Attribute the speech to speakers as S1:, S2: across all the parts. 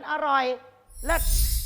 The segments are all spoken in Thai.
S1: อร่อยเลิศ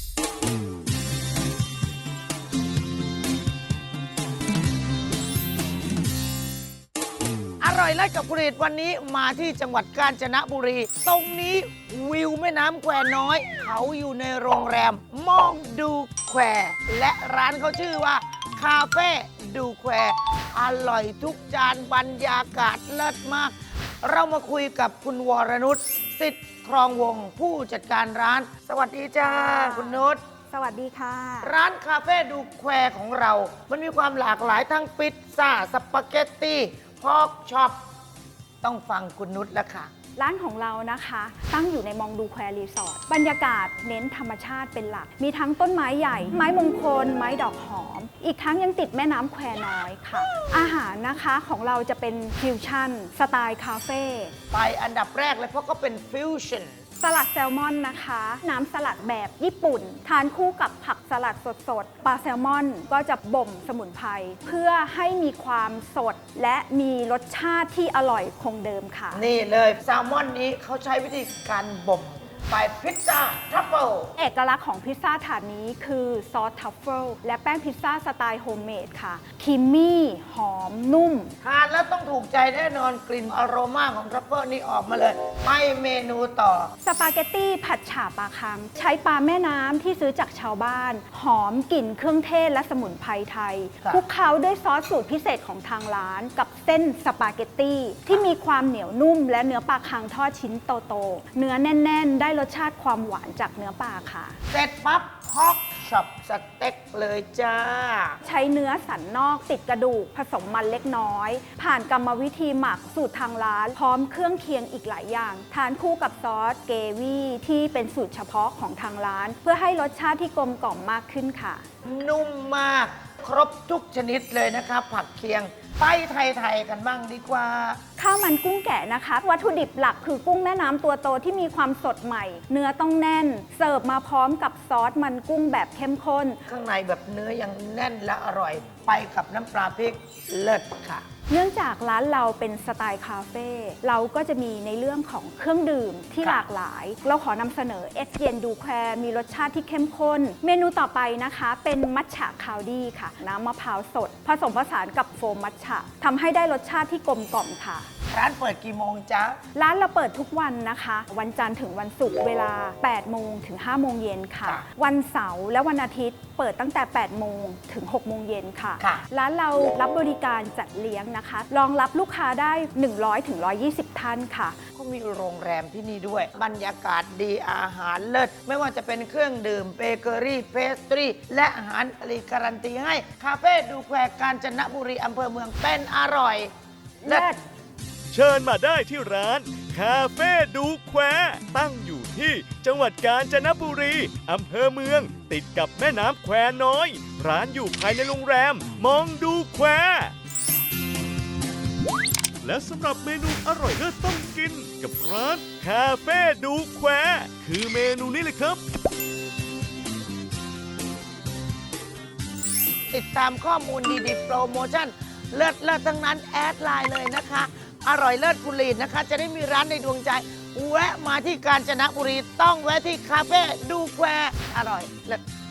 S1: อร่อยเลิศกับผลิตวันนี้มาที่จังหวัดกาญจนบุรี ตรงนี้วิวแม่น้ำแควน้อย เขาอยู่ในโรงแรมมองดูแควและร้านเขาชื่อว่าคาเฟ่ดูแควอร่อยทุกจานบรรยากาศเลิศมาก เรามาคุยกับคุณวรนุชสิทธิ์ครองวงศ์ผู้จัดการร้าน สวัสดีจ้าคุณนุช
S2: สวัสดีค่ะ
S1: ร้านคาเฟ่ดูแควของเรา มันมีความหลากหลายทั้งพิซซ่าสปาเกตตี้พอกช็อปต้องฟังคุณนุชแล้วค่ะ
S2: ร้านของเรานะคะตั้งอยู่ในมองดูแควรีสอร์ทบรรยากาศเน้นธรรมชาติเป็นหลัก มีทั้งต้นไม้ใหญ่ ไม้มงคล ไม้ดอกหอม อีกทั้งยังติดแม่น้ำแควน้อยค่ะ อาหารนะคะของเราจะเป็นฟิวชั่นสไตล์คาเฟ่
S1: ไปอันดับแรกเลยเพราะก็เป็นฟิวชั่น
S2: สลัดแซลมอนนะคะ น้ำสลัดแบบญี่ปุ่น ทานคู่กับผักสลัดสดๆปลาแซลมอนก็จะบ่มสมุนไพรเพื่อให้มีความสดและมีรสชาติที่อร่อยคงเดิมค่ะ
S1: นี่เลยแซลมอนนี้เขาใช้วิธีการบ่มไปพิซซ่าทรัฟเฟิล
S2: เอกลักษณ์ของพิซซ่าถาดนี้คือซอสทัฟเฟิลและแป้งพิซซ่าสไตล์โฮมเมดค่ะครีมมี่หอมนุ่ม
S1: ทานแล้วต้องถูกใจแน่นอนกลิ่นอโรมาของทรัฟเฟิลนี่ออกมาเลย ไปเมนูต่อ
S2: สปาเกตตี้ผัดฉ่าปลาคัง ใช้ปลาแม่น้ำที่ซื้อจากชาวบ้าน หอมกลิ่นเครื่องเทศและสมุนไพรไทย
S1: ครับ
S2: คลุกเคล้าด้วยซอสสูตรพิเศษของทางร้าน กับเส้นสปาเกตตี้ที่มีความเหนียวนุ่ม และเนื้อปลาคังทอดชิ้นโตๆเนื้อแน่น ๆ ได้รสชาติความหวานจากเนื้อปลาค่ะ
S1: เสร็จปั๊บพอกช็อปสเต็กเลยจ้า
S2: ใช้เนื้อสันนอกติดกระดูกผสมมันเล็กน้อย ผ่านกรรมวิธีหมักสูตรทางร้าน พร้อมเครื่องเคียงอีกหลายอย่าง ทานคู่กับซอสเกวี่ที่เป็นสูตรเฉพาะของทางร้าน เพื่อให้รสชาติที่กลมกล่อมมากขึ้นค่ะ
S1: นุ่มมากครบทุกชนิดเลยนะครับ ผักเคียงไปไทยๆกันบ้างดีกว่า
S2: ข้าวมันกุ้งแกะนะคะ วัตถุดิบหลักคือกุ้งแม่น้ำตัวโตที่มีความสดใหม่ เนื้อต้องแน่น เสิร์ฟมาพร้อมกับซอสมันกุ้งแบบเข้มข้น
S1: ข้างในแบบเนื้อยังแน่นและอร่อย ไปกับน้ำปลาพริกเลิศค่ะ
S2: เนื่องจากร้านเราเป็นสไตล์คาเฟ่เราก็จะมีในเรื่องของเครื่องดื่มที่
S1: ครับ
S2: หลากหลาย เราขอนำเสนอเอสเย็นดูแควมีรสชาติที่เข้มข้น เมนูต่อไปนะคะเป็นมัทฉะคาวดี้ค่ะ น้ำมะพร้าวสด ผสมผสานกับโฟมมัทฉะทำให้ได้รสชาติที่กลมกล่อมค่ะ
S1: ร้านเปิดกี่โมงจ๊ะ
S2: ร้านเราเปิดทุกวันนะคะ วันจันทร์ถึงวันศุกร์เวลา 8 โมงถึง 5 โมงเย็นค่ะ
S1: ค่ะ
S2: วันเสาร์และวันอาทิตย์เปิดตั้งแต่ 8 โมงถึง 6 โมงเย็นค่ะ
S1: ค่ะ
S2: ร้านเรารับบริการจัดเลี้ยงนะคะ รองรับลูกค้าได้ 100 ถึง 120 ท่านค่ะ
S1: ก็มีโรงแรมที่นี่ด้วย บรรยากาศดีอาหารเลิศ ไม่ว่าจะเป็นเครื่องดื่มเบเกอรี่เพสตรีและอาหารอรีการันตีให้ คาเฟ่ดูแควกาญจนบุรีอำเภอเมืองเป็นอร่อยเลิศ
S3: เชิญมาได้ที่ร้านคาเฟ่ดูแควตั้งอยู่ที่จังหวัดกาญจนบุรีอำเภอเมือง ติดกับแม่น้ำแควน้อย ร้านอยู่ภายในโรงแรมมองดูแคว และสำหรับเมนูอร่อยเลิศต้องกินกับร้านคาเฟ่ดูแควคือเมนูนี้เลยครับ
S1: ติดตามข้อมูลดีๆ โปรโมชั่น เลิศเลิศทั้งนั้น แอดไลน์เลยนะคะ อร่อยเลิศกุลีนนะคะ จะได้มีร้านในดวงใจ แวะมาที่กาญจนบุรี ต้องแวะที่คาเฟ่ดูแควอร่อยเลิศ